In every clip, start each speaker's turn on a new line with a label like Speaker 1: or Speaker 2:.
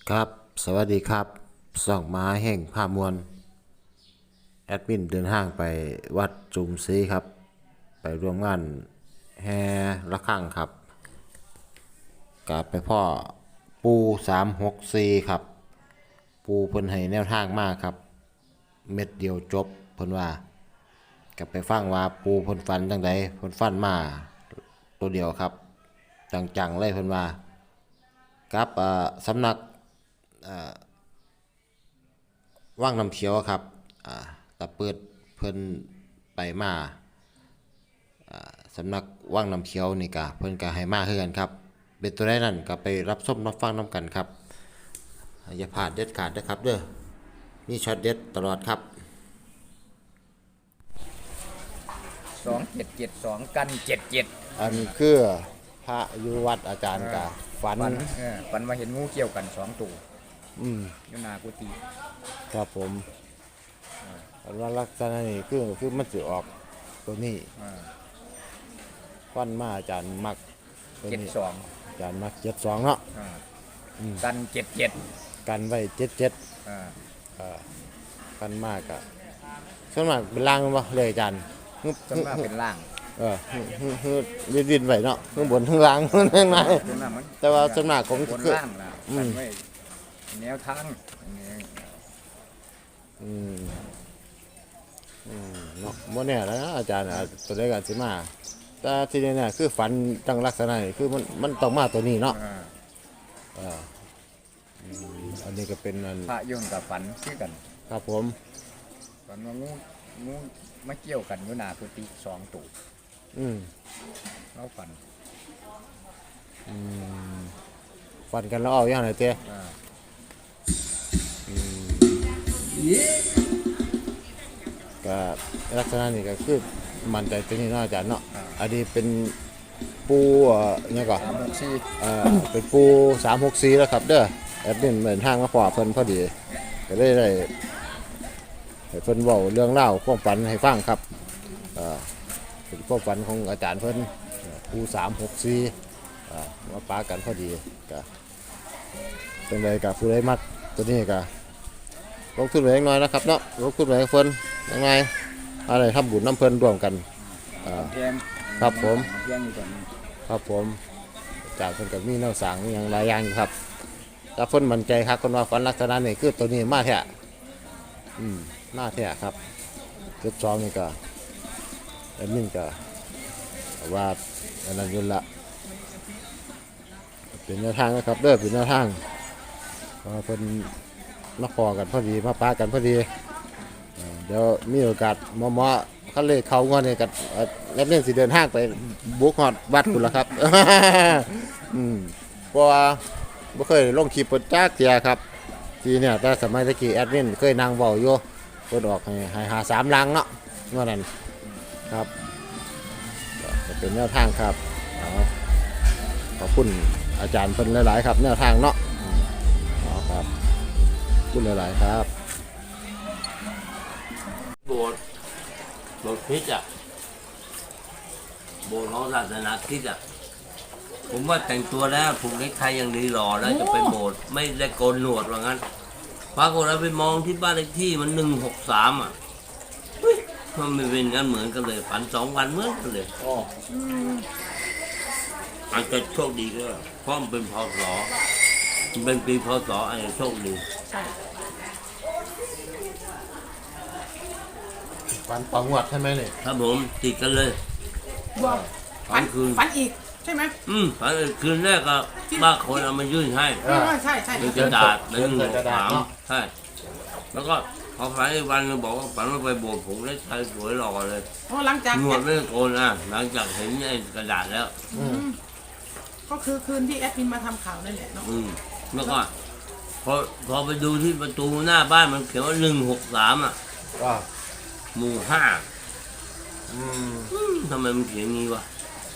Speaker 1: ครับสวัสดีครับส่องม้าแห่งภาพมวลแอดมินเดินทางไปวัดจุมศรีครับไปร่วมงานแห่ระฆังครับกลับไปพ่อปู364ครับปูเพิ่นให้แนวทางมากครับเม็ดเดียวจบเพิ่นว่ากลับไปฟังว่าปูเพิ่นฟันจังใดเพิ่นฟันมาตัวเดียวครับจังๆเลยเพิ่นว่ากับสำนักว่างน้ำเขียวครับตะเปิดเพิ่นไปมาสำนักว่างน้ำเขียวนี่กะเพิ่นกะให้มาคือกันครับเป็นตัวได้นั่นก็ไปรับชมรับฟังน้ำกันครับอย่าพลาดเด็ดขาดนะครับเด้อนี่ช็อตเด็ดตลอดครับ
Speaker 2: 2772กัน77
Speaker 1: อันคือพระอยู่วัดอาจารย์กะฝัน
Speaker 2: ฝันว่าเห็นงูเกี่ยวกัน2ตัวอยู่หน้ากุฏิ
Speaker 1: ครับผมอันว่าลักษณะนี้คือมันสิออกตัวนี้ฟันมาอาจารย์มักตัวนี้
Speaker 2: 72
Speaker 1: อาจารย์มัก72เนาะ
Speaker 2: กัน77
Speaker 1: กันไว้กันมากอะส่วนมากเป็นล่างบ่เลยอาจารย์
Speaker 2: ส่วนมากเป็นล่าง
Speaker 1: ดินไว้เนาะข้างบนข้างล่างข้างในแต่ว่าส่วนมากผม
Speaker 2: บนล่างล่ะกันไว้แนวทาง
Speaker 1: เนาะบ่แน่แล้วนะอาจารย์ตัวเลขกันสิมาแต่ที่นี่เนี่ยคือฝันตั้งลักษณะนี่คือมันต้องมาตัวนี้เนาะอันนี้ก็เป็นอัน
Speaker 2: พระยนต์กับฝันคือกัน
Speaker 1: ครับผม
Speaker 2: ฝันว่างูมาเกี่ยวกันอยู่หน้ากุฏิ2ตัวเรา
Speaker 1: ฝันกันแล้วเอาอย่างไรเต้ก็ลักษณะนี้ก็คือมันใจตัวนี้เนาะอาจารย์เนาะอันนี้เป็นปูเนี่ยก่อนเป็นปู364แล้วครับเด้อแอดมินเหมือนทางมาพอเพิ่นพอดีก็ได้ให้เพิ่นเว้าเรื่องเล่าความฝันให้ฟังครับเป็นความฝันของอาจารย์เพิ่นปู364มาปากันพอดีก็เป็นไรกับผู้ใดมักตัวนี้ก็ลงทุนไว้น้อยนะครับเนาะลงทุนไว้เพิ่นยังไงอะไรทำบุญน้ำเพิ่นร่วมกันครับผมครับผมจากเพิ่นกับมีแนวสั่งอย่างหลายอย่างครับแต่เพิ่นมั่นใจครับคนว่าฝันลักษณะนี้คือตัวนี้มาแท้มาแท้ครับ72นี่ก็แอดมินก็ว่าอันนั้นอยู่ละเป็นแนวทางนะครับเด้อเป็นแนวทางเพิ่นมาพอกันพอดีมาปากันพอดีเดี๋ยวมีโอกาสหมอเขาเลยเขางอนเนี่ยกับแล้วเนี่ยสิเดินห้างไปบุกฮอดวัดคุณละครับเพราะว่าไม่เคยลงคลิปเปิดจ้าเทียครับทีเนี่ยแต่สมัยตะกี้แอดมินเคยนั่งเบาอยู่เปิดออกให้หา3ลังเนาะเมื่อนั้นครับจะเป็นแนวทางครับขอบคุณอาจารย์เพิ่นหลายๆครับแนวทางเนาะครับขอบคุณหลายๆครับ
Speaker 3: โบสถ์คริสต์โบสถ์ของศาสนาคริสต์ผมว่าแต่งตัวแล้วผูกเนคไทยังดีหล่อแล้วจะไปโบสถ์ไม่ได้โกนหนวดว่างั้นปรากฏเราไปมองที่บ้านเลขที่มัน163มันไม่เป็นงั้นเหมือนกันเลยฝัน2 วันเหมือนกันเลยอาจจะโชคดีก็เพราะมันเป็นพศมันเป็นปีพศอาจจะโชคดี
Speaker 1: ฝันต่องวดใช่ไหมเนี่ย
Speaker 3: ครับผมติดกันเลย
Speaker 4: ฝันคืนฝันอีกใช่ไหม
Speaker 3: ฝันคืนแรกก็บ้าคนเอามายื่นให้
Speaker 4: ใช่
Speaker 3: เป็นกระดาษ163ใช่แล้วก็พอฝันอีกวันนึงบอกว่าฝันว่าไปโบสถ์ผมได้ชายสวยหล่อเลย
Speaker 4: หลังจาก
Speaker 3: หนวดไม่โกนหลังจากเห็นไอ้กระดาษแล้ว
Speaker 4: ก็คือคืนที่แอดมินมาทำข่าวนั่นแหละเนาะ
Speaker 3: แล้วก็พอไปดูที่ประตูหน้าบ้านมันเขียนว่า163หมู่5ทำไมมันเขียนงี้วะ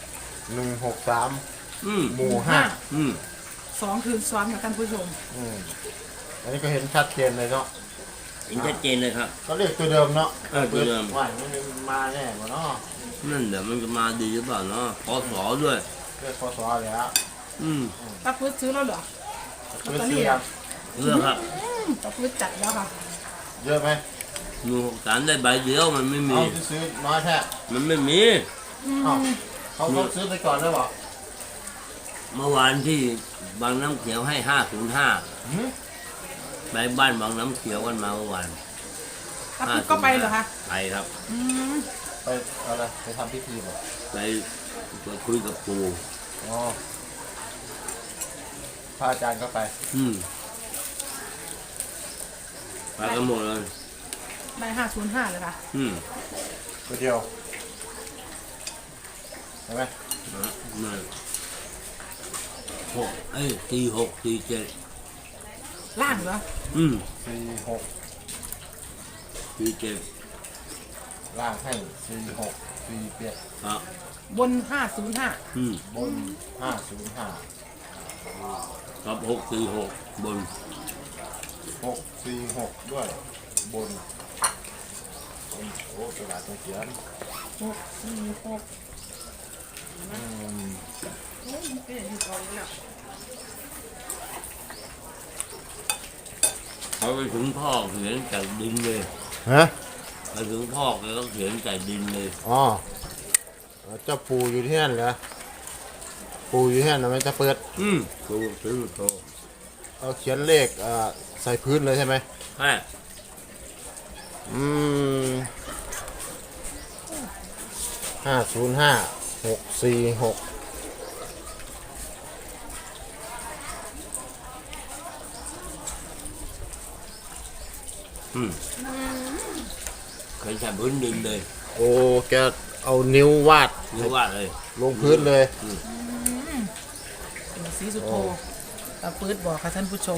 Speaker 1: 163หมู่
Speaker 4: 2คืนซ้อนกับท่านผู้ชม
Speaker 1: อันนี้ก็เห็นชัดเจนเลยเนาะ
Speaker 3: เห็นชัดเจนเลยครับ
Speaker 1: ก็เรียกตัวเดิมเนาะ
Speaker 3: ตัวเดิม
Speaker 1: ว่ามันมาแน่กว่าเนาะ
Speaker 3: นั่นเดี๋ยวมันจะมาดีหรือเปล่าเนาะพศด้วย
Speaker 1: เรียกพศเลยฮะ
Speaker 4: ตาพุทธซื้อแล้วเหรอ
Speaker 1: ซื้อครับ
Speaker 3: เลือกครับ
Speaker 4: ตะพื้นจัดแล้วค่ะ
Speaker 1: เยอะไหม
Speaker 3: 163ได้ใบเดียวมันไม่มี
Speaker 1: เอาซื้อน้อยแท้
Speaker 3: มันไม่มี
Speaker 1: เอ้าเขาต้องซื้อไปก่อนด้วยเปล่า
Speaker 3: เมื่อวานที่บางน้ำเขียวให้
Speaker 1: หืม
Speaker 3: 505ไปบ้านบางน้ำเขียวกันมาเมื่อวาน
Speaker 4: ตะพื้นก็ไปเหรอคะ
Speaker 3: ไปครับ
Speaker 4: อืม
Speaker 1: ไปอะไรไปทำพิธีบ่
Speaker 3: ไปคุยกับปู่
Speaker 1: อ๋อพระอาจารย์ก็ไป
Speaker 3: ไปกันหมดเลย
Speaker 4: ได้505เลยค่ะ
Speaker 1: ไปเดียวใช่ไหม
Speaker 3: นั่น46 47
Speaker 4: ล่างเหรอ
Speaker 1: 46
Speaker 3: 47
Speaker 1: ล่างให้46 47
Speaker 3: ครับ
Speaker 4: บน505
Speaker 1: บน505
Speaker 3: ครับ646บน
Speaker 1: 646ด้วยบนโอ้กระดาษเขียน
Speaker 4: 646โอ้ยมันเป็นอยู่ก่อนแล้ว
Speaker 3: เขาไปถึงพ่อเขียนจากดินเลย
Speaker 1: ฮะ
Speaker 3: ไปถึงพ่อแกก็เขียนจากดินเลย
Speaker 1: อ๋อเจ้าปู่อยู่ที่นั่นเหรอปู่อยู่ที่นั่นนะมันจะเปิด
Speaker 3: ตัวซื้อโต
Speaker 1: เอาเขียนเลขใส่พื้นเลยใช่ไหม
Speaker 3: ใช่
Speaker 1: 505646
Speaker 3: เขียนจากพื้นดินเลย
Speaker 1: โอ้แกเอานิ้ววาด
Speaker 3: เรียกว่าเลย
Speaker 1: ลงพื้นเลย
Speaker 4: เป็นสีสุโธตะพื้นบอกค่ะท่านผู้ชม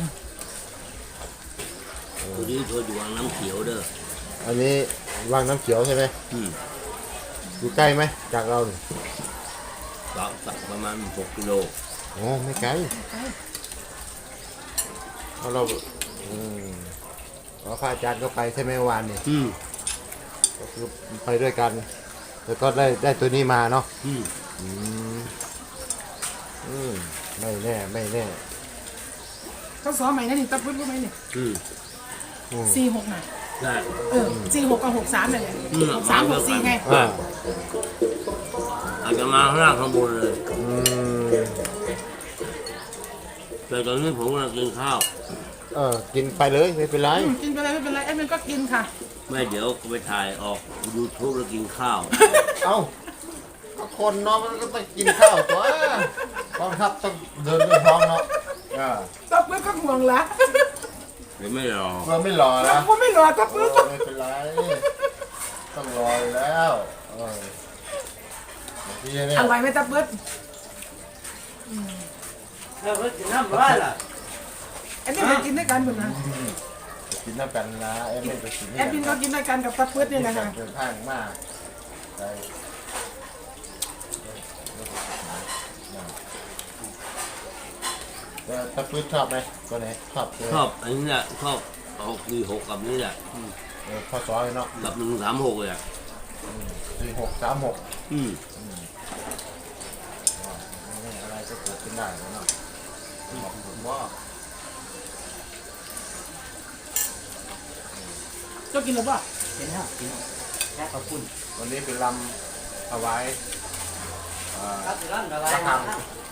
Speaker 3: ตัวนี้เธออยู่วางน้ำเขียวเด้อ
Speaker 1: อันนี้วางน้ำเขียวใช่ไหม อยู่ใกล้ไหมจากเราเนี่ย
Speaker 3: สักประมาณ6 กิโล
Speaker 1: อ๋อไม่ไกลเพราะเราพระอาจารย์ก็ไปใช่ไหมวานเนี่ยก็คือไปด้วยกัน แล้วก็ได้ตัวนี้มาเนาะไม่แน่ไม่แน่
Speaker 4: เขาสอนใหม่นะนี่ตะพื้นรู้ไหมนี่46น่ะ
Speaker 3: ใช่
Speaker 4: 46กับ63เนี่ย63 64ไง
Speaker 3: อาจจะมาข้างล่างข้างบนเลยแต่ตอนนี้ผมกำลังกินข้าว
Speaker 1: กินไปเลยไม่เป็นไร
Speaker 4: กินไปเลยไม่เป็นไรแอดมินก็กินค่ะ
Speaker 3: ไม่เดี๋ยวไปถ่ายออก YouTube แล้วกินข้าว
Speaker 1: เอ้าคนเนาะมันก็ต้องกินข้าวตัวกองทัพต้องเดินด้วยท้องเนาะ
Speaker 4: ตะพื้นก็ห่วงละ
Speaker 3: เดี๋ยวไม่รอ
Speaker 1: เพื่อไม่รอ
Speaker 4: ตะ
Speaker 1: นะ
Speaker 4: พื้นไม่รอตะพื้น
Speaker 1: ไม่เป็นไรต้องรออยู่แล้วพี่เนี่ย
Speaker 4: อร่อยไหมตะพื้น
Speaker 3: แล้วก็กินน้ำร้อนล่ะ
Speaker 4: แอดมินไปกินด้วยกันหมดนะ
Speaker 1: กินน้ำกันนะแอดมินไปกิน
Speaker 4: แอดมินก็กินด้วยกันกับตะพื้นนี่แหละค่ะ
Speaker 1: เดินทางมากไปตะพื้นชอบไหมก็ไหนชอบเลย
Speaker 3: ชอบอันนี้แหละชอบ646กับนี่แหละ
Speaker 1: ข้อสอบเนาะ
Speaker 3: กับ136เลยอ่ะ
Speaker 1: 4636 อะไรก็เกิดขึ้นได้เนาะบอกผมว่า
Speaker 4: เจ้ากินหรือเปล่า
Speaker 2: กินแล้วกินแค่ขอบคุณ
Speaker 1: วันนี้เป็นลำเอาไว้ระฆัง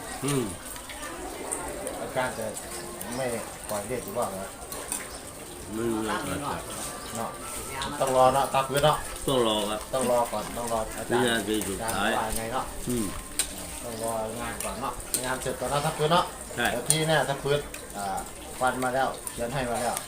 Speaker 1: อาจารย์จะไม่ปล่อยเด็กหรือเปล่าเนาะ
Speaker 3: ไม่รู้นะ
Speaker 1: เนาะต้องรอเนาะตักพื้นเนาะ
Speaker 3: ต้องรอครับ
Speaker 1: ต้องรอก่อนต้องรออาจาร
Speaker 3: วิ
Speaker 1: ย์
Speaker 3: นาทีสุด
Speaker 1: อาจารย์
Speaker 3: ท้าย
Speaker 1: ว่าไงเนาะต้องรองานก่อนเนาะงานเสร็จก่อนเนาะตักพื้นเนาะ
Speaker 3: ใช่
Speaker 1: แล้วที่เนี่ยตักพื้นฟันมาแล้วเขียนให้มาแล้ว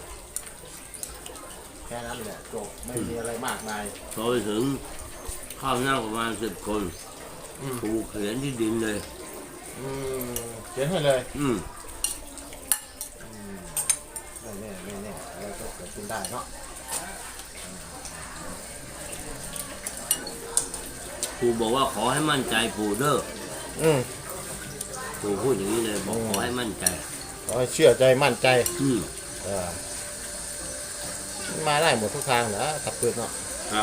Speaker 1: แค่นั้นแหละจบไม่มีอะไรมากมาย
Speaker 3: พอไปถึงข้าวหน้าประมาณ10 คนผูกเขียนที่ดินเลย
Speaker 1: เขียนให้เลย ไม่แน่ไม่แน่อะไรก็เกิดขึ้นได้เนาะ
Speaker 3: ปู่บอกว่าขอให้มั่นใจปู่เด้อ ปู่พูดอย่างนี้เลยบอกขอให้มั่นใจ
Speaker 1: ขอให้เชื่อใจมั่นใจ เออมาได้หมดทุกทางนะตักปืนเนาะ
Speaker 3: ครับ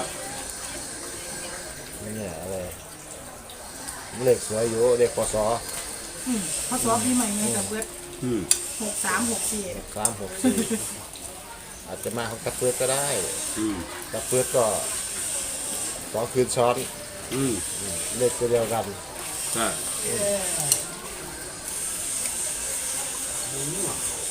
Speaker 1: นี่เนี่ยอะไรเลขสวยอยู่เลขปศ
Speaker 4: เขาซ้อมปีใหม่ไงกับเบิร์ด
Speaker 3: อืม
Speaker 4: 6364
Speaker 1: 3 6 4อาจจะมาของกระเพื่อก็ได้
Speaker 3: อืม
Speaker 1: กระเพื่อก็2 คืนซ้อน
Speaker 3: อืม
Speaker 1: เลขตัวเดียวกัน
Speaker 3: ใช่
Speaker 4: เออ